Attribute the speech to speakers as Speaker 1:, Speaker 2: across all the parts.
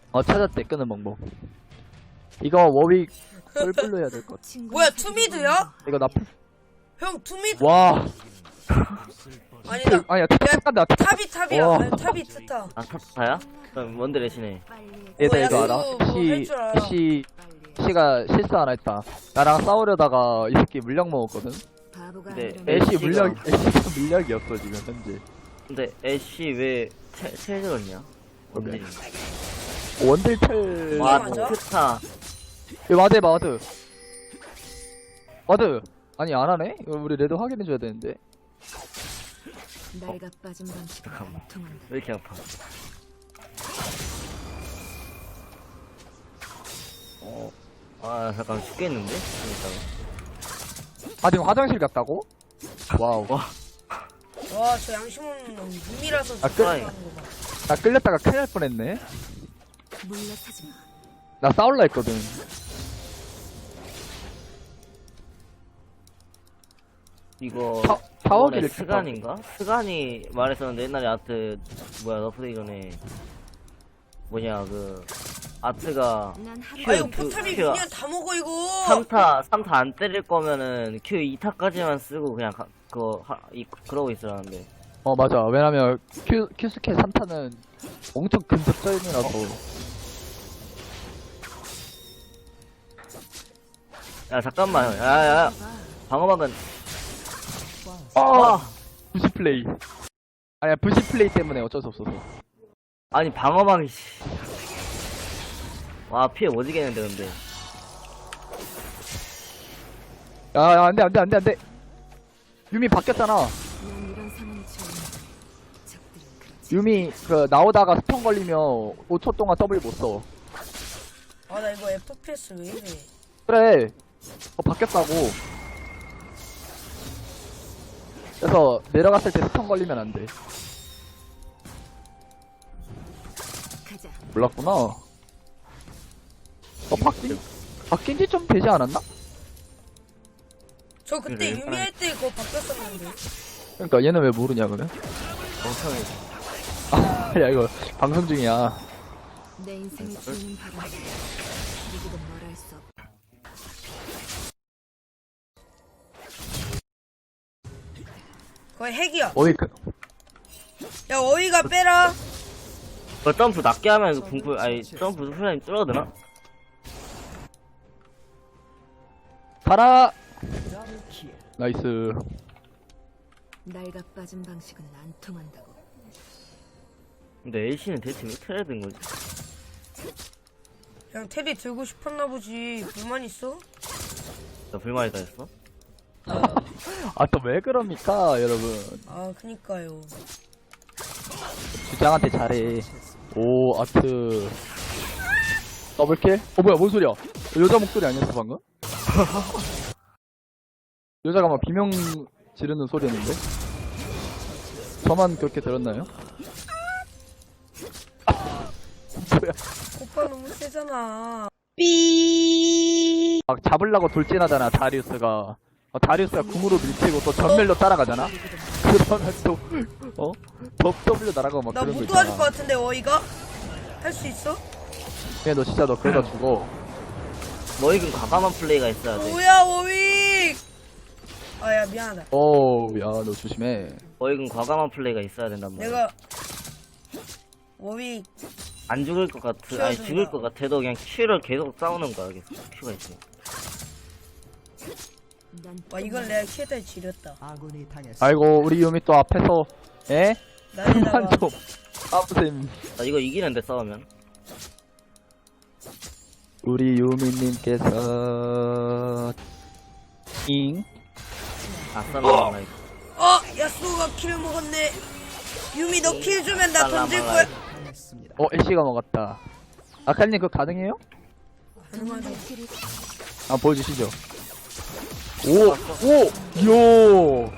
Speaker 1: 찾았대, 끄는 방법. 이거 워윅 뿔뿔로 해야 될 것 같아.
Speaker 2: 뭐야 투미드야?
Speaker 1: 이거 나,
Speaker 2: 형 투미드?
Speaker 1: 와.
Speaker 2: 아니다.
Speaker 1: 아니야, 탑 간다.
Speaker 2: 탑이야.
Speaker 1: 와.
Speaker 2: 아니, 탑이 트타.
Speaker 3: 아 타타야? 그럼 뭔데 레시네.
Speaker 1: 얘들
Speaker 2: 야,
Speaker 1: 이거 알아?
Speaker 2: 그거 할줄 알아.
Speaker 1: 씨가 실수 하나 했다. 나랑 싸우려다가 이 새끼 물약 먹었거든?
Speaker 3: 근데
Speaker 1: 애쉬가 물약이었어, 지금, 현재.
Speaker 3: 근데 애쉬 왜 체저였냐?
Speaker 1: 오케이. 원딜텔.
Speaker 3: 와
Speaker 2: 맞아?
Speaker 3: 트타.
Speaker 1: 와드. 아니, 안 하네? 이거 우리 레드 확인해줘야 되는데.
Speaker 4: 날가 빠진 방식
Speaker 3: 잠깐만.
Speaker 4: 통한다.
Speaker 3: 왜 이렇게 아파? 아 잠깐 죽겠는데? 이따가.
Speaker 1: 지금 화장실 갔다고? 와우.
Speaker 3: 와
Speaker 2: 와 저 양심 없는 놈 눈이라서
Speaker 1: 아,
Speaker 2: 죽어가는 거 봐.
Speaker 1: 나 끌렸다가 큰일 날 뻔했네.
Speaker 4: 물러서지 마.
Speaker 1: 나 싸울라 했거든.
Speaker 3: 이거
Speaker 1: 타워기를
Speaker 3: 이번에 스간인가? 스간이 말했었는데 옛날에 아트 뭐야 너프데이 전에 뭐냐 그 아트가
Speaker 4: 난 하루
Speaker 3: 큐,
Speaker 2: 아 이거
Speaker 3: 그,
Speaker 2: 포탑이
Speaker 3: 큐,
Speaker 2: 미니언 다 먹어 이거.
Speaker 3: 3타 안 때릴 거면은 Q 2타까지만 쓰고 그냥 그러고 있으라는데.
Speaker 1: 맞아. 왜냐면, 큐스케 3타는 엄청 근접전이라서.
Speaker 3: 야 잠깐만 야야 방어막은
Speaker 1: 부시 플레이. 아니야, 부시 플레이 때문에 어쩔 수 없어서.
Speaker 3: 아니 방어막이 씨. 와 피해 오지겠는데 근데.
Speaker 1: 야, 안 돼. 유미 바뀌었잖아.
Speaker 4: 난 이런 상황이 좋은 적들은 그렇지.
Speaker 1: 유미, 나오다가 스턴 걸리면 5초 동안 W 못 써.
Speaker 2: 아 나 이거 FPS 왜 이래?
Speaker 1: 그래. 바뀌었다고. 그래서 내려갔을 때 스턴 걸리면 안 돼.
Speaker 4: 가자.
Speaker 1: 몰랐구나. 바뀐 지 좀 되지 않았나?
Speaker 2: 저 그때
Speaker 3: 그래,
Speaker 2: 유미할 때 그거 바뀌었었는데.
Speaker 1: 그러니까 얘는 왜 모르냐, 그래?
Speaker 3: 멍청해.
Speaker 1: 야, 이거 방송 중이야.
Speaker 4: 내 인생을 지우는 바람. 누구도 뭘 할 수 없다.
Speaker 2: 거의 핵이야.
Speaker 1: 그,
Speaker 2: 야 어이가 빼라.
Speaker 3: 그 점프 낮게 하면 궁풀 아니 점프 후라이 줄어드나?
Speaker 1: 가라! 나이스.
Speaker 4: 날가 빠진 방식은 안 통한다고.
Speaker 3: 근데 A씨는 대체 왜 테레 든 거지?
Speaker 2: 그냥 테리 들고 싶었나 보지. 불만 있어?
Speaker 3: 나 불만이다 했어?
Speaker 1: 또 왜 그럽니까, 여러분.
Speaker 2: 아 그니까요.
Speaker 1: 주장한테 잘해. 오, 아트. 더블킬? 뭐야, 뭔 소리야? 여자 목소리 아니었어, 방금? 여자가 막 비명 지르는 소리였는데? 저만 그렇게 들었나요? 뭐야.
Speaker 2: 오빠 너무 세잖아.
Speaker 1: 막 잡으려고 돌진하잖아, 다리우스가. 다리우스가 궁으로 밀치고 또 전멸로 따라가잖아? 그러면 또, W 날아가고 막
Speaker 2: 나
Speaker 1: 그런 거
Speaker 2: 못
Speaker 1: 있잖아.
Speaker 2: 도와줄 것 같은데 어이가? 할 수 있어?
Speaker 1: 그냥 너 진짜 너 그러다 죽어.
Speaker 3: 너희는 과감한 플레이가 있어야 돼.
Speaker 2: 뭐야 워윅. 아야 미안하다.
Speaker 1: 야, 너 조심해.
Speaker 3: 너희는 과감한 플레이가 있어야 된단 말이야.
Speaker 2: 내가 워윅
Speaker 3: 안 죽을 것 아니
Speaker 2: 키워준다.
Speaker 3: 죽을 것 같아도 그냥 Q를 계속 싸우는 거야 계속 Q가 있으니.
Speaker 4: 난
Speaker 2: 와 이건 내가 키에다 지렸다.
Speaker 1: 아이고, 우리 유미 또 앞에서, 에? 그만
Speaker 2: 나에다가
Speaker 1: 좀. 아무튼,
Speaker 3: 나 이거 이기는데 싸우면.
Speaker 1: 우리 유미님께서,
Speaker 3: 아싸 나나 이거.
Speaker 2: 야스오가 킬을 먹었네. 유미 너 킬 주면 나 던질 거야.
Speaker 1: 애쉬가 먹었다. 아칼님 그거 가능해요?
Speaker 2: 가능하죠.
Speaker 1: 보여주시죠. 이야.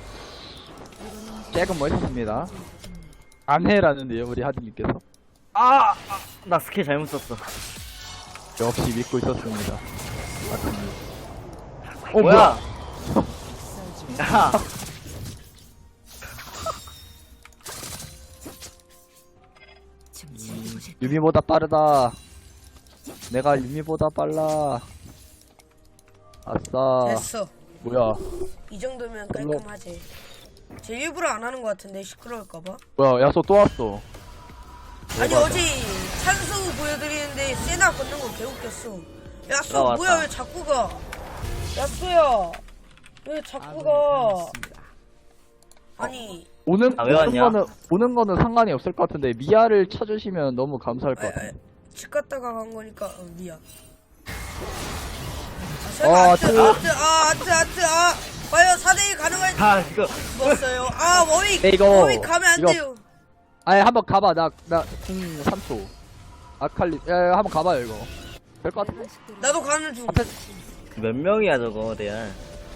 Speaker 1: 조금 멋있습니다. 안 해라는데요, 우리 하드님께서.
Speaker 3: 나 스킬 잘못 썼어.
Speaker 1: 역시 믿고 있었습니다. 하드님.
Speaker 3: 뭐야? 야,
Speaker 1: 유미보다 빠르다. 내가 유미보다 빨라. 아싸.
Speaker 2: 됐어.
Speaker 1: 뭐야?
Speaker 2: 이 정도면 깔끔하지. 제 일부러 안 하는 것 같은데 시끄러울까봐.
Speaker 1: 뭐야? 야소 또 왔어.
Speaker 2: 아니
Speaker 1: 대박이다.
Speaker 2: 어제 찬수 보여드리는데 세나 걷는 거 개웃겼어. 야수
Speaker 3: 왔다.
Speaker 2: 뭐야 왜 자꾸 가? 야수야 왜 자꾸 가? 아니
Speaker 1: 오는
Speaker 3: 아, 왜 왔냐?
Speaker 1: 오는 거는 상관이 없을 것 같은데 미아를 쳐주시면 너무 감사할 것 같아.
Speaker 2: 집 갔다가 간 거니까 미안.
Speaker 1: 아,
Speaker 2: 아트 과연 4대1 가능할지
Speaker 3: 아, 이거.
Speaker 2: 먹었어요. 아 워윅
Speaker 1: 네, 이거-
Speaker 2: 워윅 가면 안
Speaker 1: 이거-
Speaker 2: 돼요.
Speaker 1: 아예 한번 가봐. 나 3초. 아칼리. 야 한번 가봐요 이거. 될 것 같아.
Speaker 2: 나도 가는 중.
Speaker 3: 몇 명이야, 저거, 대야.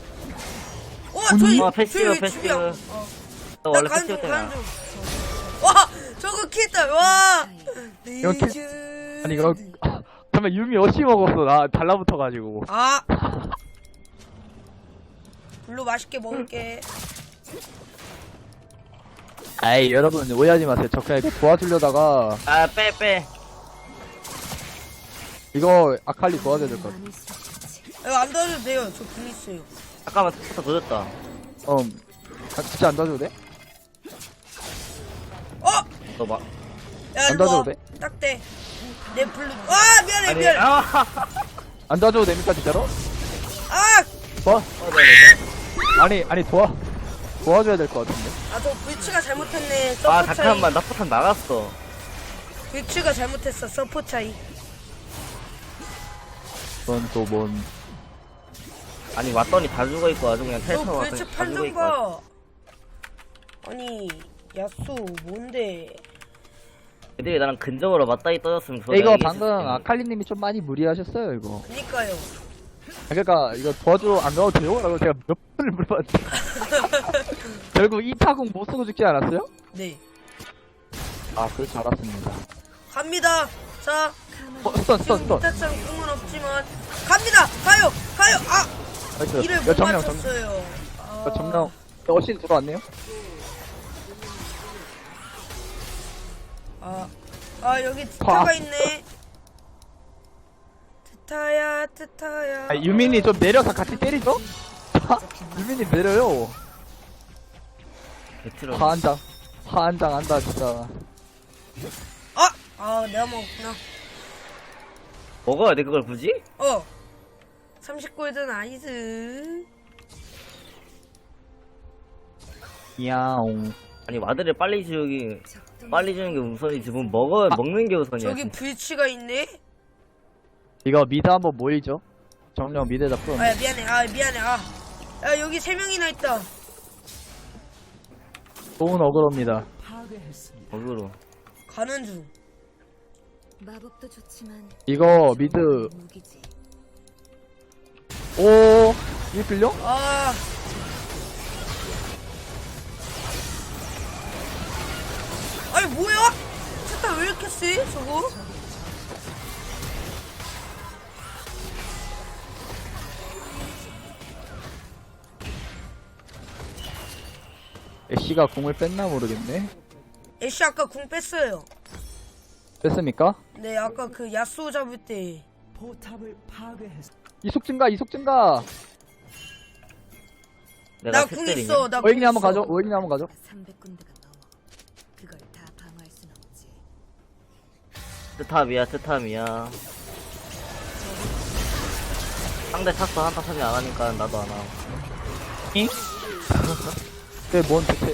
Speaker 2: 저기
Speaker 3: 패시브,
Speaker 2: 저기
Speaker 3: 패시브.
Speaker 2: 집이야.
Speaker 3: 너
Speaker 2: 나
Speaker 3: 원래
Speaker 2: 가는 중
Speaker 3: 패시브
Speaker 2: 가는
Speaker 3: 때나.
Speaker 2: 중. 와 저거 키했다. 와.
Speaker 1: 이거 키- 아니 이거 잠깐 유미 어시 먹었어. 나 달라붙어가지고.
Speaker 2: 아. 블루 맛있게 먹을게.
Speaker 1: 아이 여러분 오해하지 마세요. 저 그냥 이거 도와주려다가
Speaker 3: 아, 빼.
Speaker 1: 이거 아칼리 도와줘야 될 것 같아.
Speaker 4: 많이 쏟았지.
Speaker 2: 이거 안 도와줘도 돼요. 저 불 있어요.
Speaker 3: 잠깐만, 스포터 도졌다.
Speaker 1: 진짜 안 도와줘도 돼?
Speaker 3: 너 막.
Speaker 2: 야
Speaker 1: 안
Speaker 2: 일로 와.
Speaker 1: 도와줘도 돼?
Speaker 2: 딱대. 내 블루. 아 미안해
Speaker 3: 아니,
Speaker 2: 미안해.
Speaker 1: 안 도와줘도 됩니까 진짜로?
Speaker 2: 아.
Speaker 1: 아니 도와줘야 될 것 같은데.
Speaker 2: 저 불치가 잘못했네.
Speaker 3: 아,
Speaker 2: 서포 차이.
Speaker 3: 잠깐만, 나 포탄 나갔어.
Speaker 2: 불치가 잘못했어. 서포 차이.
Speaker 1: 넌 또 뭔?
Speaker 3: 아니, 왔더니 다 죽어있고, 아주 그냥
Speaker 2: 너
Speaker 3: 텔처럼
Speaker 2: 불치
Speaker 3: 왔더니 다
Speaker 2: 판정
Speaker 3: 죽어있고.
Speaker 2: 봐. 아니 야수 뭔데?
Speaker 3: 애들이 나랑 근접으로 맞다이 떠졌으면 저
Speaker 1: 이거
Speaker 3: 내가
Speaker 1: 방금
Speaker 3: 이겼을 텐데.
Speaker 1: 아칼리님이 좀 많이 무리하셨어요 이거.
Speaker 2: 그니까요.
Speaker 1: 그러니까 이거 도와줘 안 가도 돼요? 라고 제가 몇 번을 물어봤는데 결국 이 타공 못 쓰고 죽지 않았어요?
Speaker 2: 네.
Speaker 1: 아 그렇지 알았습니다.
Speaker 2: 갑니다. 자
Speaker 1: 스턴
Speaker 2: 지금 못했던 꿈은 없지만 갑니다. 가요. 아
Speaker 1: 나이스.
Speaker 2: 이를
Speaker 1: 야
Speaker 2: 못
Speaker 1: 정령
Speaker 2: 맞췄어요.
Speaker 1: 정령 어신 들어왔네요?
Speaker 2: 여기 트타가 있네. 트타야.
Speaker 1: 아, 유민이 좀 내려서 같이 때리죠? 유민이 내려요.
Speaker 3: 배틀을.
Speaker 1: 화한장 한다 진짜.
Speaker 2: 내가 먹었구나.
Speaker 3: 먹어야 돼, 그걸 굳이?
Speaker 2: 30골드 나이스.
Speaker 1: 야옹.
Speaker 3: 아니, 와드를 빨리 주기, 빨리 주는 게 우선이지. 뭐 먹는 게 우선이야.
Speaker 2: 저기 불치가 있네.
Speaker 1: 이거 미드 한번 모이죠? 정령 미드에다 풀어.
Speaker 2: 미안해. 야 여기 3명이나 있다.
Speaker 1: 좋은 어그로입니다.
Speaker 3: 먹으러.
Speaker 2: 가는 중.
Speaker 4: 마법도 좋지만
Speaker 1: 이거 미드
Speaker 4: 무기지.
Speaker 1: 오 이거 들려?
Speaker 2: 아니 뭐야? 트타 왜 이렇게 세? 저거?
Speaker 1: 애쉬가 공을 뺐나 모르겠네.
Speaker 2: 애쉬 아까 궁 뺐어요.
Speaker 1: 뺐습니까?
Speaker 2: 네 아까 그 야스오 잡을 때.
Speaker 1: 이속 증가.
Speaker 3: 내가
Speaker 2: 나 궁
Speaker 3: 셋들이네.
Speaker 2: 있어. 나 궁
Speaker 1: 오잉이 한번
Speaker 2: 있어.
Speaker 1: 가죠. 오잉이 한번 가죠.
Speaker 4: 300군데가 넘어. 그걸 다 방어할 순 없지.
Speaker 3: 트탑이야. 상대 찼어, 한타 차지 안 하니까 나도 안 하고.
Speaker 1: 잉? 뭔 대체?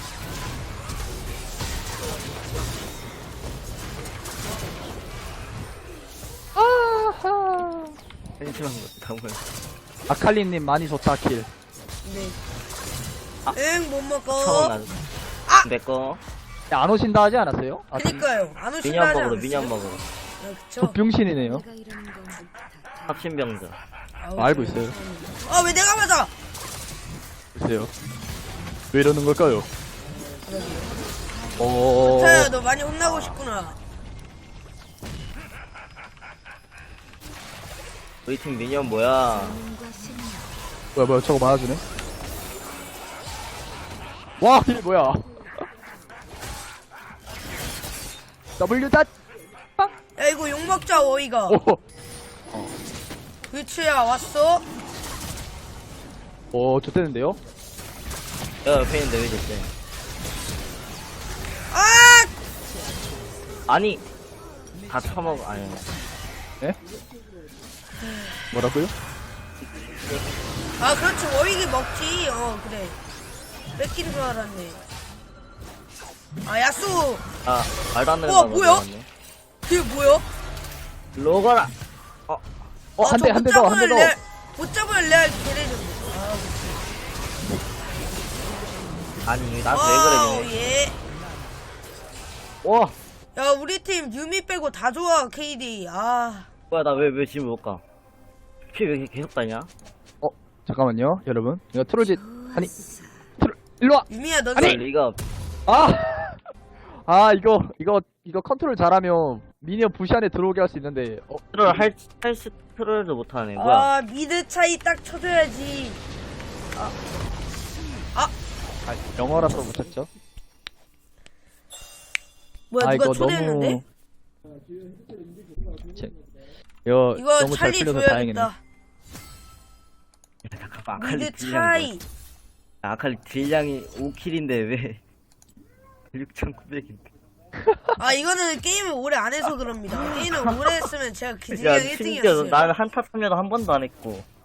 Speaker 1: 아하.
Speaker 3: 펜션한 거, 다음은.
Speaker 1: 아칼리님 많이 좋다 킬.
Speaker 2: 네.
Speaker 3: 아.
Speaker 2: 응, 못 먹어.
Speaker 3: 처음 나도. 내꺼.
Speaker 1: 야, 안 오신다 하지 않았어요? 아,
Speaker 2: 그니까요. 안 오신다
Speaker 3: 미니언
Speaker 2: 하지
Speaker 3: 먹으러,
Speaker 2: 않았어요?
Speaker 3: 미니언 먹으러.
Speaker 2: 그쵸.
Speaker 1: 저 병신이네요.
Speaker 4: 내가 이러는 건다
Speaker 3: 합신병자.
Speaker 1: 알고 있어요.
Speaker 2: 왜 내가 맞아?
Speaker 1: 글쎄요. 왜 이러는 걸까요?
Speaker 2: 타야, 너 많이 혼나고 싶구나.
Speaker 3: 우리 팀 미니언 뭐야?
Speaker 4: 본능과 신념.
Speaker 1: 뭐야 저거 맞아주네. 와 이게 뭐야? W 닷.
Speaker 2: 야 이거 욕먹자 어이가.
Speaker 1: 오.
Speaker 2: 그치야 왔어?
Speaker 1: 오, 좋대는데요?
Speaker 3: 야 옆에 있는데 왜 됐대?
Speaker 2: 아!
Speaker 3: 아니 다 처먹어. 아니
Speaker 1: 예? 뭐라고요?
Speaker 2: 아 그렇지 어이기 먹지. 그래. 뺏긴 줄 알았네. 아 야수.
Speaker 3: 아 말도 안 되는
Speaker 2: 우와,
Speaker 3: 거
Speaker 2: 뭐야? 그게 뭐야?
Speaker 3: 로거라.
Speaker 1: 한 대, 한 대 더, 한 대 더.
Speaker 2: 못 잡으면 레알 개레전.
Speaker 3: 아니 나한테 왜 그래
Speaker 2: 예.
Speaker 3: 와
Speaker 2: 야 우리 팀 유미 빼고 다 좋아 KD. 아.
Speaker 3: 뭐야 나 왜 지금 못 가? 피 왜 이렇게 계속 다냐?
Speaker 1: 잠깐만요, 여러분. 이거 트롤짓, 아니, 일로와!
Speaker 2: 유미야 너
Speaker 3: 아니 리가
Speaker 1: 아, 이거 컨트롤 잘하면 미니언 부시 안에 들어오게 할 수 있는데,
Speaker 3: 트롤 할수 트롤도 못하네. 뭐야?
Speaker 2: 아 미드 차이 딱 쳐줘야지.
Speaker 1: 영어라서 못 찾죠?
Speaker 2: 뭐야 누가
Speaker 1: 이거
Speaker 2: 초대했는데?
Speaker 1: 이거
Speaker 2: 이거
Speaker 1: 너무 잘
Speaker 2: 찰리
Speaker 1: 풀려서 다행이네.
Speaker 2: 줘야겠다.
Speaker 3: 잠깐만 아칼리
Speaker 2: 미드
Speaker 3: 딜량이
Speaker 2: 차이.
Speaker 3: 아칼리 딜량이 5킬인데 왜 6,900인데?
Speaker 2: 아 이거는 게임을 오래 안 해서 그럽니다. 게임을 오래 했으면 제가 기진이
Speaker 3: 야
Speaker 2: 형
Speaker 3: 심지어
Speaker 2: 1등이었어요.
Speaker 3: 나는 한타 참여도 한 번도 안 했고